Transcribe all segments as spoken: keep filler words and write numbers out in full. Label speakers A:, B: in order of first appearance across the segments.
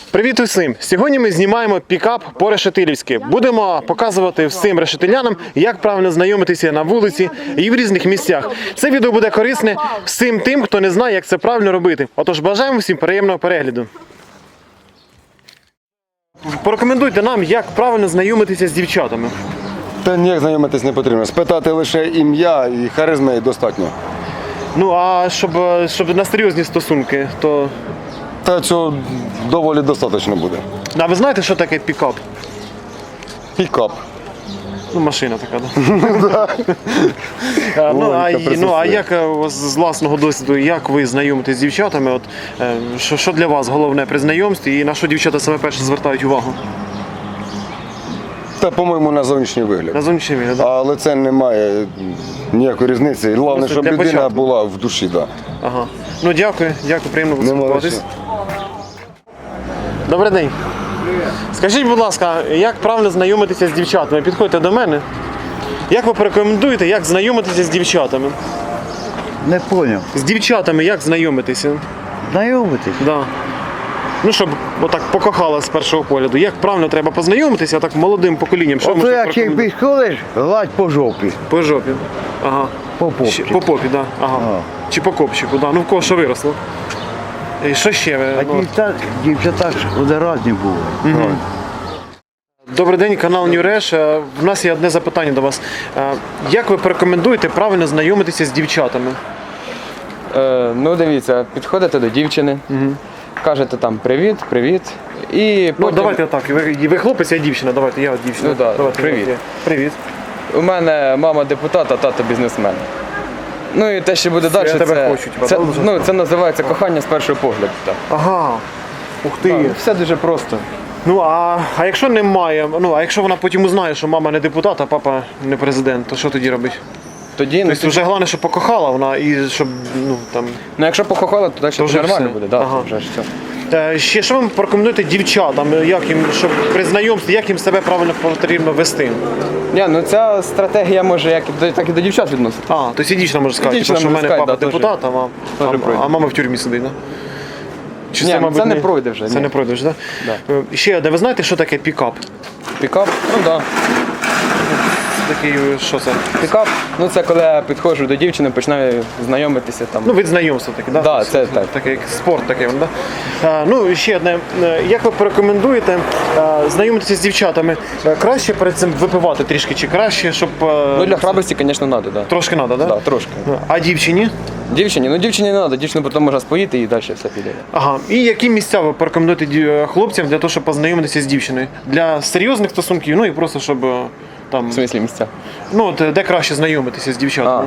A: Привіт усім! Сьогодні ми знімаємо пікап по-решетилівськи. Будемо показувати всім решетилянам, як правильно знайомитися на вулиці і в різних місцях. Це відео буде корисне всім тим, хто не знає, як це правильно робити. Отож, бажаємо всім приємного перегляду. Порекомендуйте нам, як правильно знайомитися з дівчатами.
B: Та ніяк знайомитись не потрібно. Спитати лише ім'я і харизми достатньо.
A: Ну, а щоб, щоб на серйозні стосунки, то...
B: Та цього доволі достатньо буде.
A: А ви знаєте, що таке пікап?
B: Пікап.
A: Ну, машина така, так? Да? ну, а, ну, а як з власного досвіду, як ви знайомитесь з дівчатами? От, що, що для вас головне при знайомстві і на що дівчата саме перше звертають увагу?
B: Та, по-моєму, на зовнішній вигляд.
A: На зовнішній вигляд, так?
B: Але це не має ніякої різниці. Головне,
A: Просто
B: щоб
A: для
B: людина
A: початку.
B: була в душі. Да.
A: Ага. Ну, дякую, дякую, приємно поспілкуватись. Добрий день. Скажіть, будь ласка, як правильно знайомитися з дівчатами? Підходьте до мене. Як ви порекомендуєте, як знайомитися з дівчатами?
C: Не поняв.
A: З дівчатами як знайомитися?
C: Знайомитись?
A: Да. Ну, щоб отак покохала з першого погляду. Як правильно треба познайомитися, так молодим поколінням? Що
C: Ото
A: можете
C: як їх
A: порекомендувати?
C: підходиш, гладь по жопі.
A: По жопі. Ага.
C: По попці.
A: Ще- По попі, да. Ага.
C: Ага.
A: Чи по копчику, да. Ну в кого що виросло. І що ще? ви?
C: А
A: Ну,
C: дівчата, дівчата ж вони різні були.
A: Добрий день, канал Нюреш. Е, В нас є одне запитання до вас. Е, Як ви порекомендуєте правильно знайомитися з дівчатами?
D: Е, ну дивіться, підходите до дівчини, кажете там привіт, привіт. І
A: Ну,
D: потім
A: давайте отак. Ви, ви хлопець, я дівчина. Давайте, я от дівчина.
D: Ну, да,
A: давайте,
D: привіт.
A: давайте. Привіт.
D: у мене мама депутат, а тато бізнесмен. Ну і те, що буде далі,
A: я тебе
D: це,
A: хочу, типа,
D: це,
A: да, вже?
D: ну, це називається кохання з першого погляду. Так.
A: Ага. Ух ти.
D: Так, все дуже просто.
A: Ну, а, а якщо немає, ну, а якщо вона потім узнає, що мама не депутат, а папа не президент, то що тоді робить?
D: Тоді, ну,
A: Тобто вже головне, щоб покохала вона і щоб, ну, там...
D: ну якщо покохала, то далі
A: То вже
D: нормально
A: все.
D: буде. Да,
A: Ага.
D: то вже ж все.
A: Е, Ще що ви порекомендуєте дівчатам, як їм, щоб при знайомстві, як їм себе правильно потрібно вести?
D: Ні, ну ця стратегія може як і до, так і до дівчат відносити.
A: А, тобто і дівчина може сказати,
D: Дівчина
A: типу, що в
D: може
A: мене
D: сказати,
A: папа
D: да,
A: депутат, а, мам,
D: Тоже
A: а,
D: пройде.
A: а мама в тюрмі сидить, да? Чи
D: Ні, ну, це не пройде вже,
A: Це
D: ні.
A: не пройде вже, так?
D: Да.
A: Е, Ще, де ви знаєте, що таке пікап?
D: Пікап, ну так. Да.
A: Такий, що це?
D: Пікап, ну це коли я підходжу до дівчини, починаю знайомитися там.
A: Ну, від знайомства таке, да?
D: Да, це так.
A: Таке, як спорт такий, да? А, ну, і ще одне. Е, Як ви порекомендуєте е, знайомитися з дівчатами? Е, Краще перед цим випивати трішки, чи краще, щоб... е,
D: Ну для храбрості, звісно, треба, да.
A: Трошки треба, да?
D: Да, трошки.
A: А дівчині?
D: Дівчині, ну дівчині не треба, дівчину потім можна споїти і далі все піде.
A: Ага. І які місця ви порекомендуєте ді- хлопцям для того, щоб познайомитися з дівчиною? Для серйозних стосунків, ну і просто, щоб е, там...
D: В смислі місця.
A: Ну, от, де краще знайомитися з дівчатами?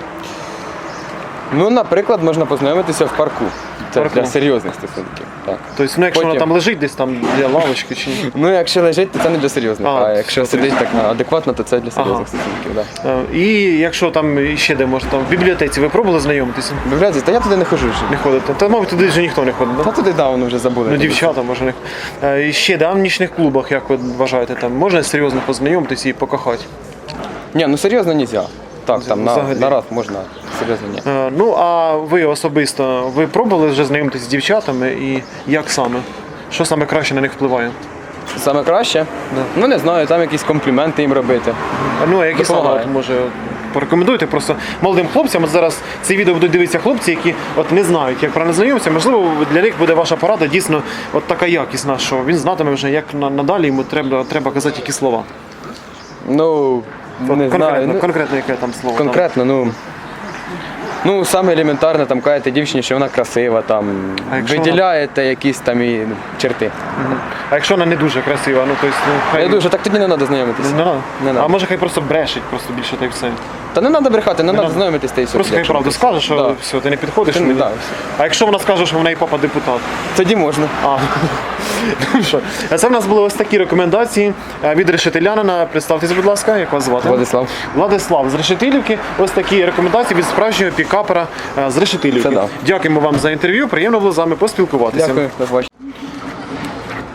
D: Ну, наприклад, можна познайомитися в парку. Це
A: Парку.
D: для серйозних стосунків. Так.
A: Тобто, ну, якщо вона
D: Потім-
A: там лежить десь там для лавочки чи ні?
D: Ну, якщо лежить, то це не для серйозних.
A: А,
D: А, якщо
A: все,
D: сидить так адекватно, то це для серйозних
A: Ага.
D: стосунків. Да.
A: Е, І якщо там ще де може, там в бібліотеці ви пробували знайомитися?
D: Бібліотеці, та я туди не ходжу вже.
A: Не ходите? Та, мабуть, туди вже ніхто не ходить,
D: Та
A: да?
D: туди давно вже забули.
A: Ну, дівчата, може, не. Е, І ще, да, в нічних клубах, як ви вважаєте, там можна серйозно познайомитися і покохати?
D: Ні, ну серйозно нельзя. Так, там на,
A: Взагалі.
D: на раз можна, серйозно ні.
A: Е, Ну, а ви особисто, ви пробували вже знайомитися з дівчатами і як саме? Що саме краще на них впливає?
D: Саме краще? Ну не знаю, там якісь компліменти їм робити.
A: Ну, а які саме,
D: Допомагає.
A: от, може, порекомендуйте просто молодим хлопцям. От зараз це відео будуть дивитися хлопці, які от не знають, як правильно знайомитися. Можливо, для них буде ваша порада дійсно от така якісна, що він знатиме вже, як на- надалі йому треба, треба казати які слова.
D: Ну, не
A: конкретно,
D: знаю. Ну,
A: конкретно яке там слово.
D: конкретно, ну. Ну, саме елементарне, там кажете дівчині, що вона красива, там
A: А якщо
D: виділяєте якісь там і черти.
A: Там. Мгм. А якщо вона не дуже красива, ну, то есть, ну, хай...
D: Я дуже, так тоді не треба знайомитися.
A: Не надо?
D: Не надо.
A: А може хай просто брешить, просто більше та й все.
D: Та не треба брехати, не треба
A: надо.
D: знайомитись та й все.
A: Просто хай
D: якщо
A: правду
D: не-
A: скаже, що
D: Да.
A: все, ти не підходиш.
D: Ти не-
A: мені.
D: да, все.
A: А якщо вона скаже, що в неї папа депутат?
D: Тоді можна.
A: А, ну що, це в нас були ось такі рекомендації е, від решетилянина. Представтеся, будь ласка, як вас звати?
D: Владислав.
A: Владислав з Решетилівки. Ось такі рекомендації від справжнього пікапера е, з Решетилівки.
D: Це да.
A: Дякуємо вам за інтерв'ю. Приємно було з вами поспілкуватися.
D: Дякую, до побачення.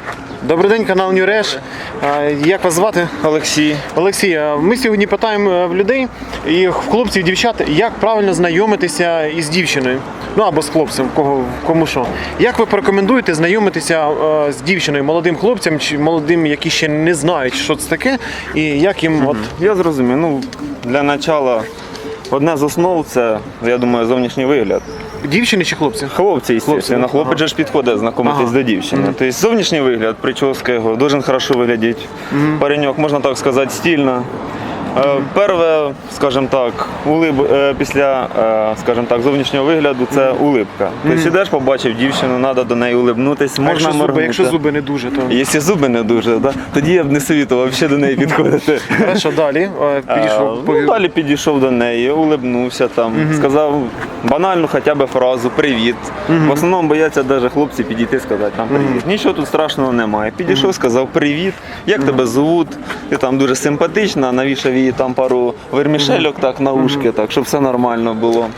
A: Добрий день, канал Нюреш. Як вас звати?
E: Олексій.
A: Олексій, а ми сьогодні питаємо в людей, і в хлопців, дівчат, як правильно знайомитися із дівчиною. Ну або з хлопцем, кого, кому що. Як ви порекомендуєте знайомитися е, з дівчиною, молодим хлопцям чи молодим, які ще не знають, що це таке, і як їм от.
E: Я зрозумів. Ну, для начала одне з основ це, я думаю, зовнішній вигляд.
A: Дівчини чи хлопці?
E: Хлопці, звісно,
A: ага.
E: хлопець же ж підходить знайомитись
A: Ага.
E: до дівчини. Тобто зовнішній вигляд, прическа його, дуже хорошо виглядить. Пареньок, можна так сказати, стильно. Е, Перше, скажімо так, улиб... е, після е, скажімо так, зовнішнього вигляду це улибка. Тобто ідеш, побачив дівчину, треба до неї улибнутися,
A: А
E: можна
A: якщо зуби,
E: моргнути.
A: якщо зуби не дуже, то.
E: Якщо зуби не дуже, да? Тоді я б не совітував взагалі до неї підходити.
A: Хорошо, далі. е, Підійшов.
E: А, ну, далі підійшов до неї, улибнувся там, сказав банальну хоча б фразу «Привіт». В основному бояться навіть хлопці підійти сказати там «Привіт». Нічого тут страшного немає. Підійшов, сказав «Привіт», як тебе звуть, ти там дуже симпатична, навішав їй там пару вермішельок так на ушки, так, щоб все нормально було.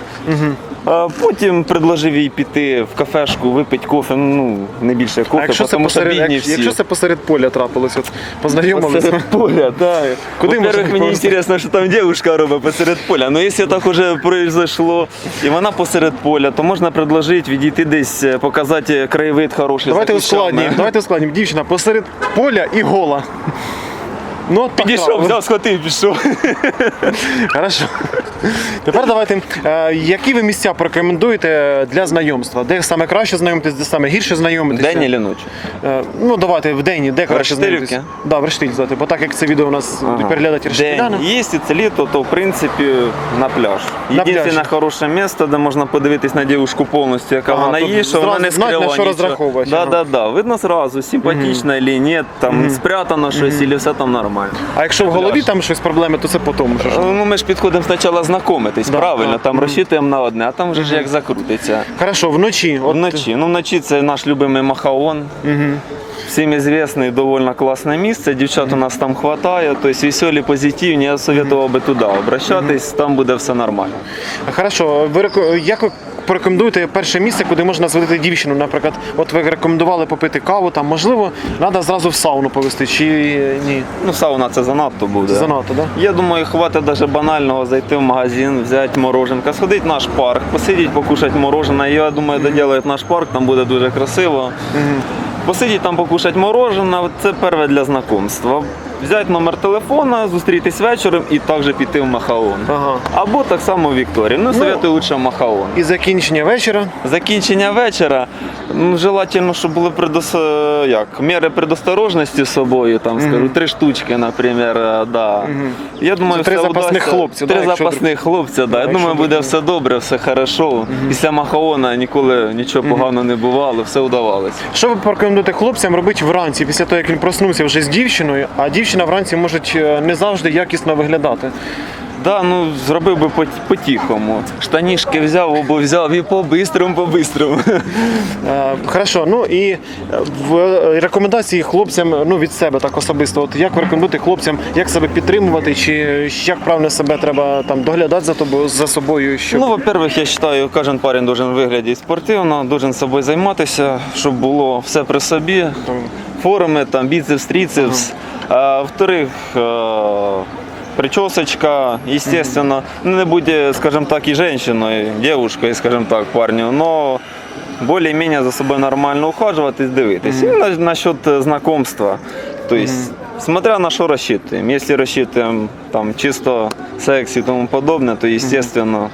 E: А потім предложив їй піти в кафешку, випити кофе, ну не більше
A: А
E: кофе,
A: якщо це,
E: тому що
A: посеред,
E: бідні
A: як-
E: всі.
A: якщо це посеред поля трапилось, от познайомилися.
E: Посеред поля, да.
A: Куди можна
E: Во-первых, мені
A: просто?
E: цікаво, що там дівчинка робить посеред поля. Ну, якщо так уже произошло, і вона посеред поля, то можна предложити відійти десь, показати краєвид хороший.
A: Давайте
E: за кущами.
A: ускладнім. Давайте ускладнім. Дівчина посеред поля і гола. Ну, от так
E: Підійшов,
A: трапилось.
E: взяв, схватив, пішов.
A: Хорошо. Тепер давайте, е, які ви місця порекомендуєте для знайомства? Де саме краще знайомитись, де саме гірше знайомитися?
E: День чи ночі?
A: Е, ну, давайте в день, де краще
E: Рештилівки?
A: знайомитися? Да, в Рештиль, давайте, бо так як це відео у нас
E: Ага.
A: переглядать рештиляни.
E: День. Якщо це літо, то в принципі на пляж.
A: На
E: Єдине
A: пляж.
E: хороше місце, де можна подивитись на дівчинку повністю, яка
A: Ага,
E: вона
A: тут
E: є, що вона
A: зразу
E: не
A: знать, на
E: скрила
A: що
E: нічого.
A: розраховувати,
E: Да,
A: ага.
E: да, да. Видно зразу, симпатична чи ні, там спрятано щось, або все там нормально.
A: А якщо в голові
E: Пляж.
A: там щось проблеми, то це потім. Що ж.
E: Ну, ми ж підходимо спочатку знайомитись,
A: Да,
E: правильно,
A: да.
E: там розчитуємо на одне, а там вже ж як закрутиться.
A: Хорошо, вночі. От,
E: Вночі. Ну, вночі це наш любимий Махаон. Всім известний, доволі класне місце. Дівчат у нас там вистачає, тобто веселі, позитивні. Я советував би туди обращатись, там буде все нормально.
A: Хорошо, ви реко- як ви порекомендуєте перше місце, куди можна зводити дівчину? Наприклад, от ви рекомендували попити каву, там можливо, треба зразу в сауну повести, чи ні?
E: Ну, сауна це занадто буде.
A: Занадто, да?
E: Я думаю, хватить навіть банального зайти в магазин, взяти мороженка, сходити в наш парк, посидіти, покушати мороженое. Я думаю, доділають наш парк, там буде дуже красиво. Посидіти там, покушати мороженое, це перше для знайомства. Взяти номер телефона, зустрітись вечором і також піти в Махаон.
A: Ага.
E: Або так само в Вікторію. Ну, советую лише в Махаон.
A: І закінчення вечора.
E: Закінчення вечора, ну, желательно, щоб були предос... як, міри предосторожності з собою, там, скажу, три штучки, наприклад, да. Я думаю,
A: Це три
E: все
A: запасних
E: вдасться.
A: хлопця, да,
E: Три
A: якщо-
E: запасних хлопця, да. Я
A: якщо
E: думаю, буде
A: буде.
E: все добре, все хорошо. Після Махаона ніколи нічого поганого не бувало, все вдавалося.
A: Що ви порекомендуєте хлопцям робити вранці, після того, як він проснувся вже з дівчиною, а дівчина вранці може е, не завжди якісно виглядати?
E: Да, ну зробив би по- по-тихому. Штанішки взяв, обув взяв і по-бистрому, по-бистрому.
A: Е, Хорошо, ну і е, в е, рекомендації хлопцям, ну від себе так особисто, от як ви рекомендуєте хлопцям, як себе підтримувати, чи як правильно себе треба там доглядати за тобою, за собою, щоб...
E: Ну, во-первых, я вважаю, кожен парень должен виглядати спортивно, должен собою займатися, щоб було все при собі, форми, там, біцепс, трицепс. А, во-вторых, е, причесочка, естественно, ну, не буде, скажем так, и женщиной, девушкой, скажем так, парню, но более-менее за собой нормально ухаживать и дивитись. И на, насчет знакомства, то есть, смотря на что рассчитываем. Если рассчитываем там чисто секс и тому подобное, то, естественно,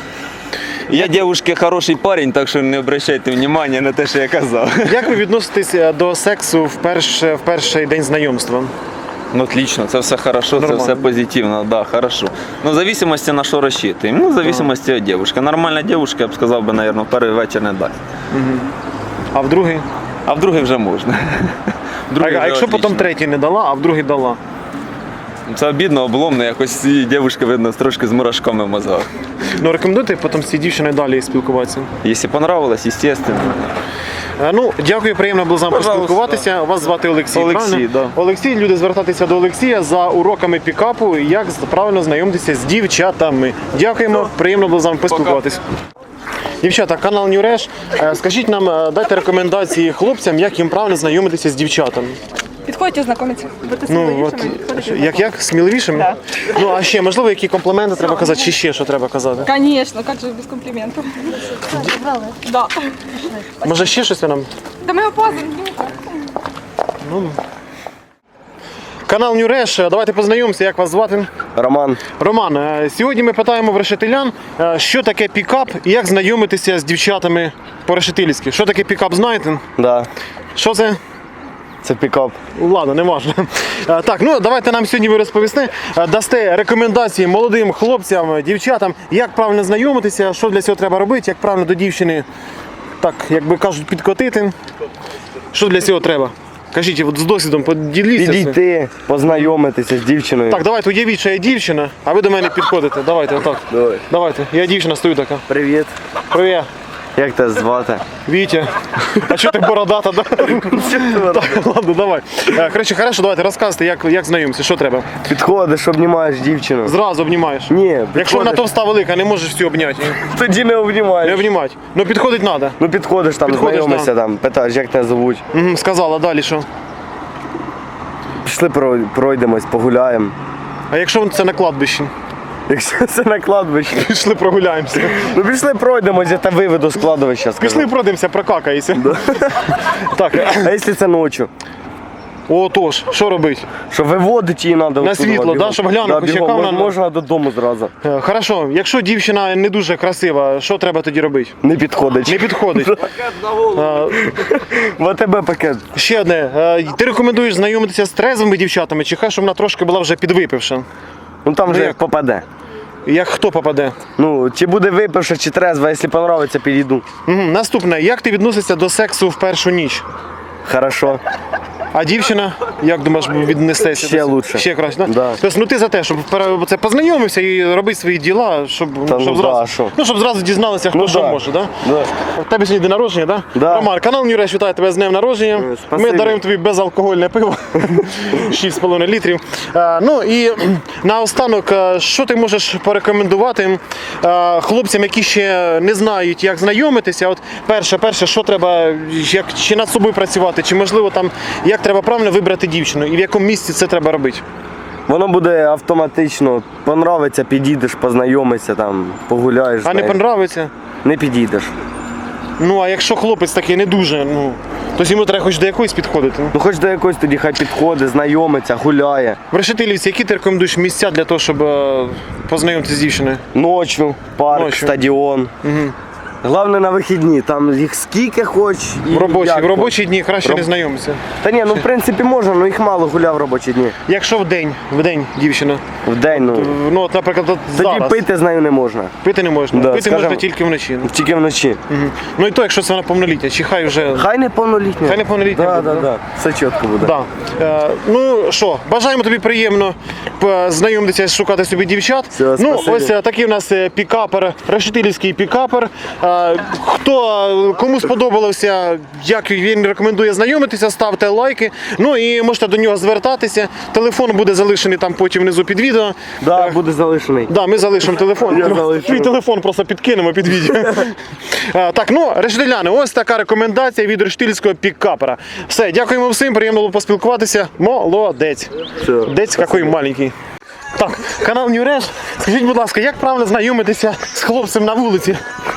E: я девушке хороший парень, так що не обращайте внимания на те, що я казав.
A: Як ви відноситесь е, до сексу в, перше, в перший день знайомства?
E: Ну, отлично, це все хорошо,
A: Нормально.
E: це все позитивно, да, хорошо. Ну, в зависимости на що рассчитываем. Ну, в зависимости от девушки. Нормальна девушка, я б сказав би, наверное, перший вечір не дасть.
A: А в другий?
E: А в другий вже можна. В
A: А,
E: другий
A: а
E: вже
A: якщо потім
E: отлично.
A: третій не дала, а в другий дала?
E: Це обідно, обломно, якось і дівчинка, видно, трошки з мурашками в мозгах.
A: Ну рекомендуєте потім з цією дівчиною далі спілкуватися?
E: Якщо понравилось, естественно.
A: Е, Ну, дякую, приємно було з вами
E: Пожалуйста.
A: поспілкуватися. Вас звати Олексій,
E: Олексій,
A: правильно?
E: да.
A: Олексій, люди звертатися до Олексія за уроками пікапу, як правильно знайомитися з дівчатами. Дякуємо, приємно було з вами поспілкуватися. Дівчата, канал Нюреш. Е, Скажіть нам, е, дайте рекомендації хлопцям, як їм правильно знайомитися з дівчатами.
F: Підходьте знайомитися, будьте
A: Ну,
F: сміливішими,
A: от,
F: підходите.
A: як, як? Сміливішими?
F: Да.
A: Ну, а ще, можливо, які компліменти треба казати, чи ще що треба казати?
F: Конечно, как же без компліментів. Да.
A: Може, ще щось ви нам?
F: Та ми опознаємо.
A: Канал Нюреш, е, давайте познайомимося, як вас звати?
B: Роман,
A: Роман, е, сьогодні ми питаємо в решетилян, е, що таке пікап і як знайомитися з дівчатами по-решетилівськи. Що таке пікап, знаєте?
B: да,
A: Що це?
B: це пікап.
A: Ладно, не важно. Е, Так, ну давайте нам сьогодні ви розповісти, е, дасте рекомендації молодим хлопцям, дівчатам, як правильно знайомитися, що для цього треба робити, як правильно до дівчини, так, як би кажуть, підкотити. Що для цього треба? Кажіть, от з досвідом поділіться.
B: Підійти, познайомитися з дівчиною.
A: Так, давайте уявіть, що я дівчина, а ви до мене підходите. Давайте, отак.
B: Давай.
A: Давайте. Я дівчина стою така.
B: Привіт.
A: Привіт.
B: Як тебе звати?
A: Вітя. А що ти бородата, да? Так, ладно, давай. Е, Коротше, хорошо, давайте розказуйте, як, як знайомитися, що треба.
B: Підходиш, обнімаєш дівчину.
A: Зразу обнімаєш.
B: Ні,
A: Якщо вона
B: підходиш.
A: товста велика, не можеш всю обняти.
B: Тоді не обнімаєш.
A: Не обнімати. Ну підходить треба.
B: Ну підходиш там,
A: Підходиш,
B: знайомишся там, питаєш, як тебе звуть.
A: Угу, сказала, далі що?
B: Пішли прой- пройдемось, погуляємо.
A: А якщо це на кладбищі?
B: Якщо це на кладбищі.
A: Пішли прогуляємося.
B: Ну пішли пройдемось, я тебе виведу з кладовища, скажу.
A: Пішли пройдемося, прокакаємося. Так,
B: А якщо це ночі?
A: о, тож, що робити?
B: Що виводить її треба.
A: На світло, да, щоб глянути, хоч яка вона-
B: Можна додому зразу.
A: Е, Хорошо, якщо дівчина не дуже красива, що треба тоді робити?
B: Не підходить.
A: Не підходить. Е,
B: В АТБ пакет.
A: Ще одне. Е, Ти рекомендуєш знайомитися з трезвими дівчатами, чи хай, щоб вона трошки була вже підвипивша?
B: Ну там вже
A: як?
B: як попаде.
A: Як хто попаде?
B: Ну, чи буде випивши, чи трезва, якщо подобається, підійду.
A: Угу. Наступне. Як ти відносишся до сексу в першу ніч?
B: Хорошо.
A: А дівчина, як думаєш, віднесеться?
B: Ще
A: до-
B: лучше.
A: Ще краще, да?
B: Да.
A: Тобто, ну ти за те, щоб пере- це познайомився і робити свої діла, щоб,
B: Та
A: щоб
B: ну
A: зразу,
B: да, що?
A: ну, щоб зразу дізналися, хто
B: Ну
A: що
B: да.
A: може, да?
B: Да.
A: У тебе сьогодні день народження, да?
B: Да.
A: Роман, канал Нюреш вітає тебе з днем народження.
B: Е,
A: Ми
B: спасибі.
A: даруємо тобі безалкогольне пиво, шість з половиною літрів. Е, Ну і наостанок, е, що ти можеш порекомендувати е, хлопцям, які ще не знають, як знайомитися? От перше, перше, що треба, як, чи над собою працювати, чи можливо там, як треба правильно вибрати дівчину і в якому місці це треба робити?
B: Воно буде автоматично. Понравиться, підійдеш, познайомишся там, погуляєш.
A: А не
B: знаєш.
A: понравиться?
B: Не підійдеш.
A: Ну а якщо хлопець такий не дуже, ну то йому треба хоч до якоїсь підходити.
B: Ну хоч до якоїсь тоді хай підходить, знайомиться, гуляє.
A: В Решетилівці, які ти рекомендуєш місця для того, щоб е, познайомитися з дівчиною?
B: Ночью, парк,
A: Ночью.
B: стадіон. Головне на вихідні, там їх скільки хоч. І
A: В робочі,
B: як
A: в робочі дні краще
B: Роб-
A: не знайомитися.
B: Та ні, ну в принципі можна, але їх мало гуляв в робочі дні.
A: Якщо в день, в день дівчина,
B: В день, ну.
A: ну от, наприклад, от
B: Тоді
A: зараз
B: пити з нею не можна.
A: пити не можна,
B: Да,
A: пити
B: скажем-
A: можна тільки вночі.
B: Тільки вночі.
A: Мгм. Ну і то, якщо це вона повнолітня, чи хай вже.
B: Хай не повнолітня.
A: Хай неповнолітня
B: Да,
A: буде,
B: да,
A: да?
B: да. Все чітко буде.
A: Да. Е, ну що, бажаємо тобі приємно п- знайомитися, шукати собі дівчат.
B: Все,
A: ну,
B: спасибі.
A: ось е, такий у нас е, пікапер, решетилівський пікапер. Е, хто, е, кому сподобалося, як він рекомендує знайомитися, ставте лайки. Ну і можете до нього звертатися. Телефон буде залишений там потім внизу під відео.
B: Да,
A: Е,
B: буде залишений.
A: Да, ми залишимо телефон.
B: Я залишу.
A: Твій телефон просто підкинемо під відео. Е, Так, ну, решетиляни, ось така рекомендація від решетильського пікапера. Все, дякуємо всім, приємно було поспілкуватися. Молодець.
B: Все.
A: Дець який маленький. Так, канал Нюреш. Скажіть, будь ласка, як правильно знайомитися з хлопцем на вулиці?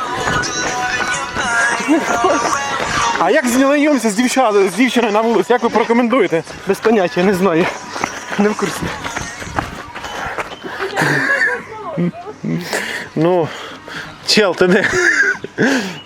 A: А як знайомитися з дівчатою, з дівчиною на вулиці? Як ви порекомендуєте? Без поняття, не знаю. Не в курсі. Ну, чел, ти де?